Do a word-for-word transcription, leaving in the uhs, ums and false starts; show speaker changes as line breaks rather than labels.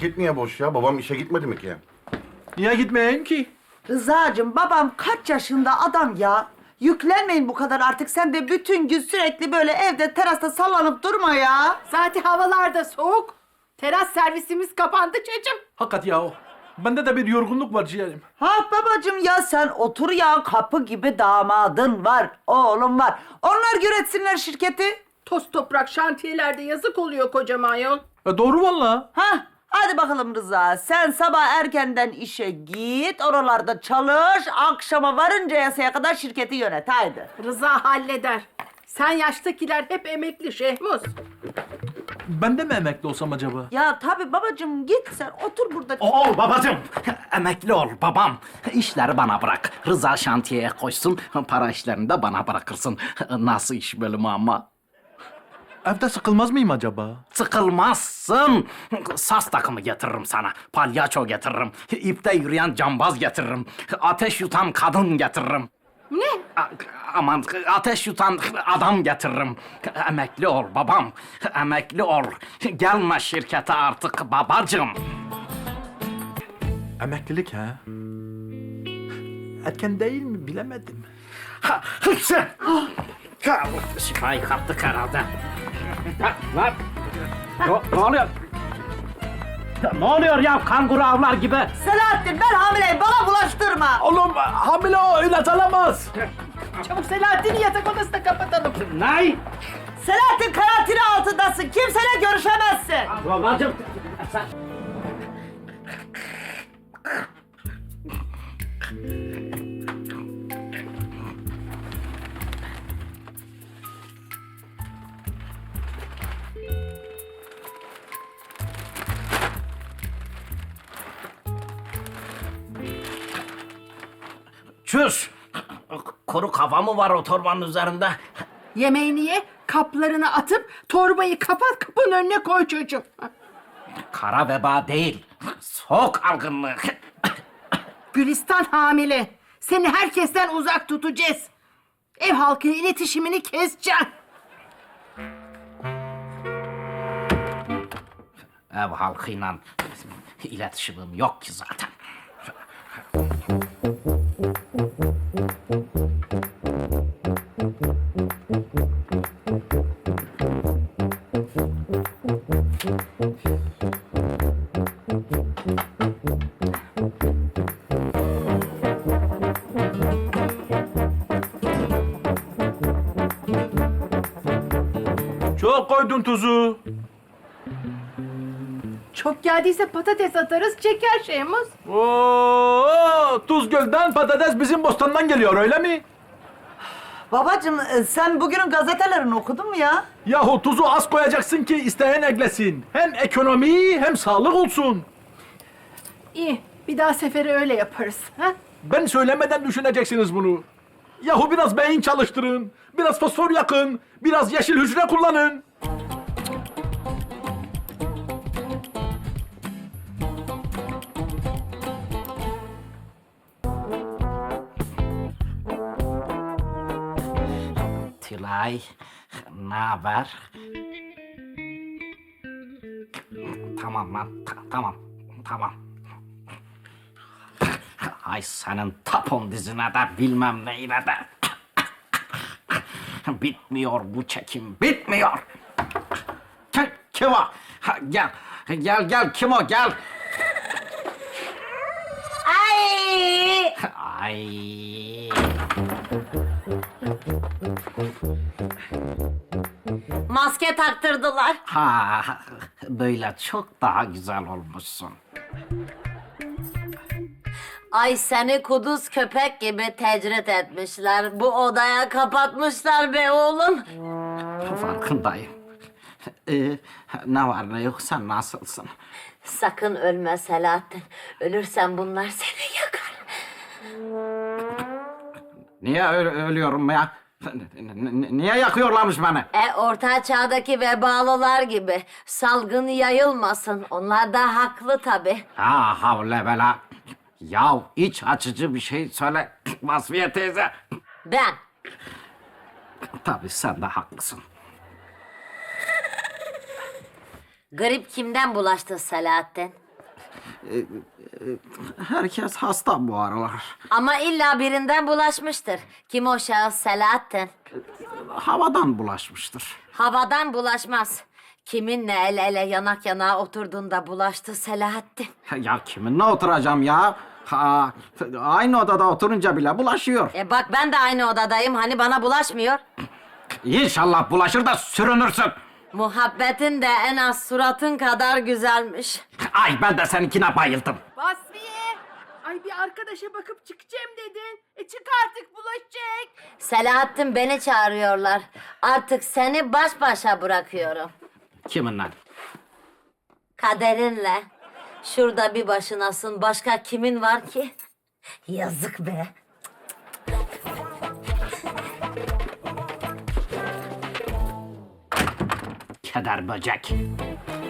paket niye boş ya? Babam işe gitmedi mi ki?
Niye gitmeyeyim ki?
Rıza'cığım babam kaç yaşında adam ya? Yüklenmeyin bu kadar artık. Sen de bütün gün sürekli böyle evde terasta sallanıp durma ya.
Zaten havalar da soğuk. Teras servisimiz kapandı çocuğum.
Hakikat ya o. Bende de bir yorgunluk var ciğerim.
Ha babacığım ya sen otur ya, kapı gibi damadın var, oğlum var. Onlar yönetsinler şirketi.
Toz toprak şantiyelerde yazık oluyor kocaman yol.
E doğru valla.
Ha hadi bakalım Rıza, sen sabah erkenden işe git, oralarda çalış, akşama varıncaya kadar şirketi yönet, haydi.
Rıza halleder. Sen yaştakiler hep emekli Şehmuz.
Ben de mi emekli olsam acaba?
Ya tabii babacığım, git sen otur burada.
Ol babacığım. Emekli ol babam. İşleri bana bırak. Rıza şantiyeye koysun. Para işlerini de bana bırakırsın. Nasıl iş bölümü ama?
Evde sıkılmaz mıyım acaba?
Sıkılmazsın. Saz takımı getiririm sana. Palyaço getiririm. İpte yürüyen cambaz getiririm. Ateş yutan kadın getiririm.
Ne?
A- aman ateş yutan adam getiririm. Emekli ol babam. Emekli ol. Gelme şirkete artık babacığım.
Emeklilik ha? Erken değil mi bilemedim.
Ha, hıpsı! Ha, şifayı kaptık herhalde. Ha, lan! Ne, ne oluyor? Ya, ne oluyor ya kanguru avlar gibi?
Selahattin, ben hamileyim, bana bulaştırma.
Oğlum hamile o ilaç alamaz.
Çabuk Selahattin'i yatak odasına kapatalım.
Ne?
Selahattin karantina altındasın, kimseyle görüşemezsin.
Babacığım sen... Çüş! Kuru kafa mı var o torbanın üzerinde?
Yemeğini ye, kaplarını atıp torbayı kapat, kapının önüne koy çocuğum.
Kara veba değil, soğuk algınlığı.
Gülistan hamile. Seni herkesten uzak tutacağız. Ev halkıyla iletişimini keseceğim.
Ev halkıyla iletişimim yok ki zaten.
Çok koydun tuzu.
Çok geldiyse patates atarız, çeker Şehmuz.
Oo, Tuzgöl'den patates bizim bostandan geliyor öyle mi?
Babacığım, e, sen bugünün gazetelerini okudun mu ya?
Yahu tuzu az koyacaksın ki isteyen eklesin. Hem ekonomi hem sağlık olsun.
İyi, bir daha sefere öyle yaparız. Ha?
Ben söylemeden düşüneceksiniz bunu. Yahu biraz beyin çalıştırın, biraz fosfor yakın, biraz yeşil hücre kullanın.
Tülay, ne haber? Tamam lan, ta- tamam, tamam. Ay senin tapon dizine de bilmem neyine de. Bitmiyor bu çekim, bitmiyor. Kim, kim o? Ha, Gel, gel, gel, kim o? Gel.
Ay!
Ay.
Maske taktırdılar.
Ha, böyle çok daha güzel olmuşsun.
Ay seni kuduz köpek gibi tecrit etmişler. Bu odaya kapatmışlar be oğlum.
Farkındayım. Ee, ne var ne yok, sen nasılsın?
Sakın ölme Selahattin. Ölürsen bunlar seni yakar.
Niye ö- ölüyorum ya? N- n- niye yakıyorlarmış beni?
E orta çağdaki vebalılar gibi. Salgın yayılmasın. Onlar da haklı tabii.
Ha havle bela. Ya iç açıcı bir şey söyle Vasfiye teyze.
Ben.
Tabii sen de haklısın.
Grip kimden bulaştı Selahattin?
Herkes hasta bu aralar.
Ama illa birinden bulaşmıştır. Kim o şahıs Selahattin?
Havadan bulaşmıştır.
Havadan bulaşmaz. Kiminle el ele yanak yanağa oturduğunda bulaştı Selahattin.
Ya kiminle oturacağım ya? Ha, aynı odada oturunca bile bulaşıyor.
E bak ben de aynı odadayım. Hani bana bulaşmıyor.
İnşallah bulaşır da sürünürsün.
Muhabbetin de en az suratın kadar güzelmiş.
Ay ben de seninkine bayıldım.
Vasfiye! Ay bir arkadaşa bakıp çıkacağım dedin. E çık artık bulaşacak.
Selahattin beni çağırıyorlar. Artık seni baş başa bırakıyorum.
Kiminle?
Kaderinle. Şurada bir başınasın. Başka kimin var ki? Yazık be.
Keder böcek.